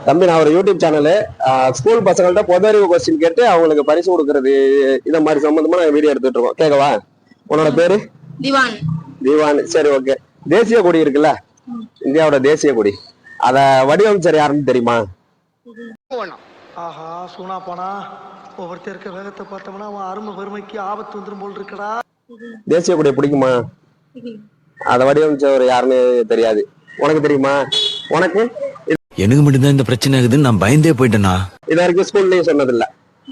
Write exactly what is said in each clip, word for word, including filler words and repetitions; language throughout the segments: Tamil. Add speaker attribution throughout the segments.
Speaker 1: தம்பி, நான் ஒரு யூடியூப் சேனலு ஸ்கூல் பசங்கள்ட்ட பொது அறிவு கொஸ்டின் கேட்டு அவங்களுக்கு பரிசு கொடுக்கறது இத மாதிரி சம்பந்தமா நாங்க வீடியோ எடுத்துட்டு இருக்கோம். கேட்கவா? உன்னோட பேரு?
Speaker 2: திவான்.
Speaker 1: திவான், சரி ஓகே. தேசிய கொடி இருக்குல்ல, இந்தியாவோட தேசிய கொடி, அத வடிவமைச்சர் யாருன்னு தெரியுமா?
Speaker 3: ஆஹா, சூனா போனா ஒவ்வொருத்தர் இருக்க வேகத்தை பார்த்தோம்னா அவன் அருமை பெருமைக்கு ஆபத்து வந்துடும் போல் இருக்கடா.
Speaker 1: தேசிய கொடியை பிடிக்குமா? அத வடிவமைச்சவர் யாருன்னு தெரியாது. உனக்கு தெரியுமா? உனக்கு?
Speaker 4: எனக்கு மட்டும்தான் இந்த பிரச்சனை ஆகுதுன்னு நான் பயந்தே போயிட்டேனா?
Speaker 1: இது வரைக்கும் ஸ்கூல்லயும் சொன்னதில்ல.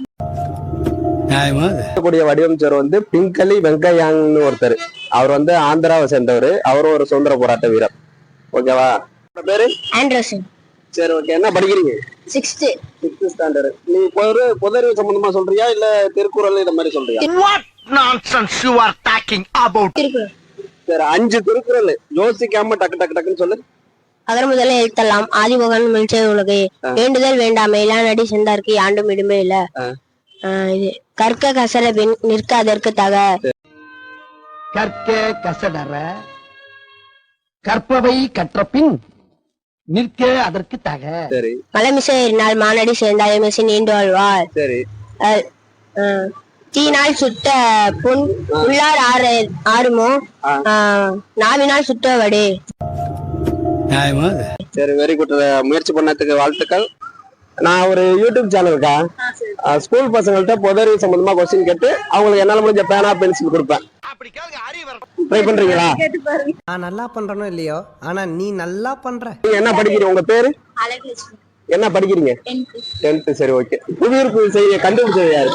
Speaker 1: கொடிய வடிவமைச்சர் வந்து பிங்கலி வெங்கையாங்னு ஒருத்தர். அவர் வந்து ஆந்திராவை சேர்ந்தவர். அவரும் ஒரு சுதந்திர போராட்ட வீரர். ஓகேவா? பேரு
Speaker 2: ஆண்டர்சன்.
Speaker 1: சரி ஓகே. என்ன படிக்கிறீங்க?
Speaker 2: Sixth
Speaker 1: sixth standard. நீ பொது பொதறிவு சம்பந்தமா சொல்றியா இல்ல திருக்குறள் இந்த மாதிரி சொல்றியா?
Speaker 3: What nonsense you are talking about?
Speaker 2: Thirukkural.
Speaker 1: சரி, அஞ்சு திருக்குறள் யோசிக்காம டக்கு டக்கு டக்குன்னு சொல்லு.
Speaker 2: அகர முதல்ல எழுத்தெல்லாம் ஆதிபகன் மிழ்ச்சை உலகே வேண்டுதல் வேண்டாமை இளாநடி சென்றார்க்கு ஆண்டும் இடுமே இல்ல. இது கற்க கசட பின் நிற்க அதற்கு தக.
Speaker 3: கற்க கசடற கற்பவை கற்ற பின் நிற்க அதற்கு தக.
Speaker 1: சரி.
Speaker 2: மலமிசை ஏறினால் மானடி சேர்ந்தாய் மெசி நீண்டு வாழ்வார்.
Speaker 1: சரி.
Speaker 2: தீனால் சுட்ட புண் உள்ளார் ஆறு ஆறுமோ நாவினால் சுட்ட வடே.
Speaker 1: சரி, வெரி குட். முயற்சி பண்ணதுக்கு வாழ்த்துக்கள். நான் ஒரு யூடியூப் சேனலுக்கா ஸ்கூல் பசங்கள்ட்ட பொதறிவு சம்பந்தமா கொஸ்டின் கேட்டு அவங்களுக்கு என்னால முடிஞ்ச பேனா பென்சில் கொடுப்பேன். ட்ரை பண்றீங்களா?
Speaker 5: நான் நல்லா பண்றனோ இல்லையோ, ஆனா நீ நல்லா பண்ற.
Speaker 1: நீங்க என்ன படிக்கிறீங்க? உங்க பேரு என்ன படிக்கிறீங்க? டென்த். சரி ஓகே. புவியீர்ப்பு விசையை கண்டுபிடிச்சது யாரு?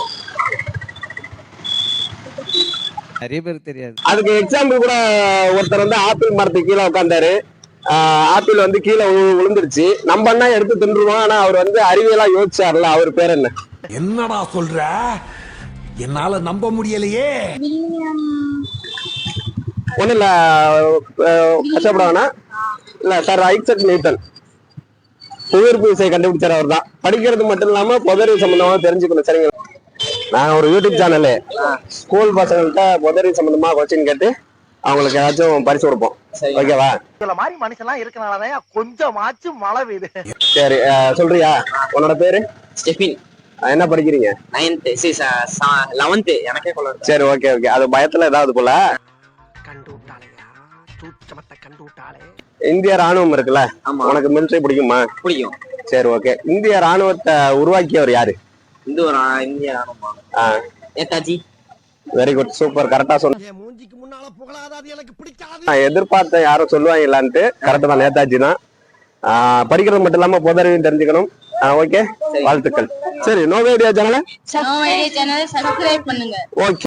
Speaker 5: நிறைய பேருக்கு தெரியாது.
Speaker 1: அதுக்கு எக்ஸாம்பிள் கூட ஒருத்தர் வந்து ஆப்பிள் மரத்துக்கு கீழே உட்காந்தாரு. ஆப்பிள் வந்து கீழே விழுந்துருச்சு. நம்ம அண்ணா எடுத்து தின்றுவோம். ஆனா அவர் வந்து அறிவியலா யோசிச்சார்ல, அவர் பேர் என்ன?
Speaker 6: என்னடா சொல்ற? என்னால நம்ப முடியலையே.
Speaker 1: ஒண்ணு இல்ல, கஷ்டப்படாவனா இல்ல சார். Isaac Newton. புவியீர்ப்பு விசையை கண்டுபிடிச்சார் அவர் தான். படிக்கிறது மட்டும் இல்லாம பொதறிவு சம்பந்தமா தெரிஞ்சுக்கணும். சரிங்களா? நாங்க ஒரு யூடியூப் சேனலு ஸ்கூல் பசங்கள்ட்ட பொதறிவு சம்பந்தமா கொஸ்டின் கேட்டு அவங்களுக்கு ஏதாச்சும் பரிசு கொடுப்போம். ஓகேவா?
Speaker 3: இந்த மாதிரி மனுஷன்லாம் இருக்கனாலதான் கொஞ்சமாச்சும் மழை பெய்யுது.
Speaker 1: சரி, சொல்றியா? உன்னோட பேரு?
Speaker 7: ஸ்டெஃபின்.
Speaker 1: என்ன படிக்கிறீங்க?
Speaker 7: Ninth eleventh. எனக்கே கொள்ள.
Speaker 1: சரி ஓகே ஓகே. அது பயத்துல ஏதாவது போல
Speaker 3: கண்டு விட்டாளையா, சூட்சமத்தை கண்டு விட்டாளே.
Speaker 1: இந்திய ராணுவம் இருக்குல்ல, உனக்கு மிலிட்டரி பிடிக்குமா?
Speaker 7: பிடிக்கும்.
Speaker 1: சரி ஓகே. இந்திய ராணுவத்தை உருவாக்கியவர் யாரு?
Speaker 7: இந்த ஒரு இந்திய ராணுவமா? நேதாஜி.
Speaker 1: வெரி குட், சூப்பர், கரெக்டா சொன்ன.
Speaker 3: மூஞ்சிக்கு முன்னால புகழாதது எனக்கு பிடிக்காது.
Speaker 1: நான் எதிர்பார்த்த யாரும் சொல்லுவாங்களான்ட்டு. கரெக்டா தான், நேதாஜி தான். படிக்கிறது மட்டும் இல்லாம பொதறிவும் தெரிஞ்சுக்கணும். ஓகே, வாழ்த்துக்கள். சரி, நோவேடியா சேனலை
Speaker 2: சப்ஸ்கிரைப் பண்ணுங்க.
Speaker 1: ஓகே.